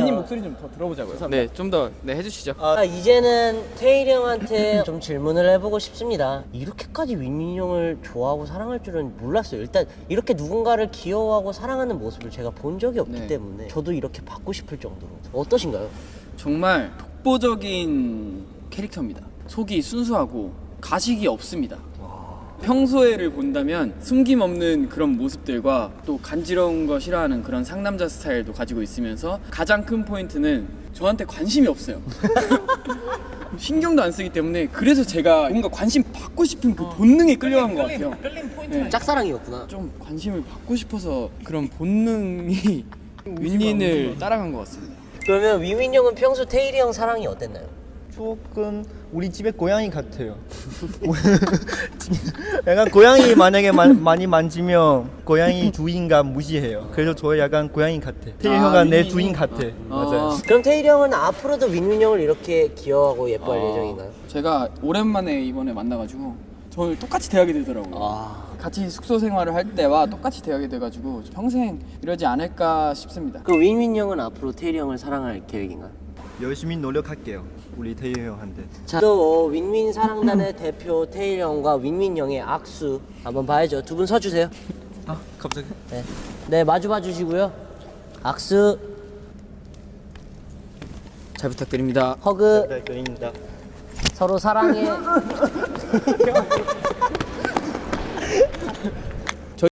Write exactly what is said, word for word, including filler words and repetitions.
윈윈님 목소리 좀 더 들어보자고요. 네, 좀 더 네, 해주시죠. 아, 이제는 태일이 형한테 좀 질문을 해보고 싶습니다. 이렇게까지 윈윈 형을 좋아하고 사랑할 줄은 몰랐어요. 일단 이렇게 누군가를 귀여워하고 사랑하는 모습을 제가 본 적이 없기 네. 때문에 저도 이렇게 받고 싶을 정도로. 어떠신가요? 정말 독보적인 캐릭터입니다. 속이 순수하고 가식이 없습니다. 평소에를 본다면 숨김없는 그런 모습들과 또 간지러운 거 싫어하는 그런 상남자 스타일도 가지고 있으면서 가장 큰 포인트는 저한테 관심이 없어요. 신경도 안 쓰기 때문에 그래서 제가 뭔가 관심 받고 싶은 그 본능에 끌려간 것 같아요. 네. 짝사랑이었구나. 좀 관심을 받고 싶어서 그런 본능이 윈윈을 따라간 것 같습니다. 그러면 윈윈 형은 평소 태일이 형 사랑이 어땠나요? 조금 우리 집에 고양이 같아요. 약간 고양이 만약에 마, 많이 만지면 고양이 주인감 무시해요. 그래서 저 약간 고양이 같아. 태일 아, 형아 내 윈윈이? 주인 같아. 맞아요. 그럼 태일이 형은 앞으로도 윈윈 형을 이렇게 귀여워하고 예뻐할 어, 예정인가요? 제가 오랜만에 이번에 만나가지고 저를 똑같이 대하게 되더라고요. 아. 같이 숙소 생활을 할 때와 똑같이 대하게 돼가지고 평생 이러지 않을까 싶습니다. 그 윈윈 형은 앞으로 태일이 형을 사랑할 계획인가요? 열심히 노력할게요. 우리 태일 형한테. 자, 또 어, 윈윈 사랑단의 대표 태일 형과 윈윈 형의 악수 한번 봐야죠. 두 분 서주세요. 아 갑자기? 네, 네 마주 봐주시고요. 악수, 잘 부탁드립니다. 허그, 네, 그립니다. 서로 사랑해.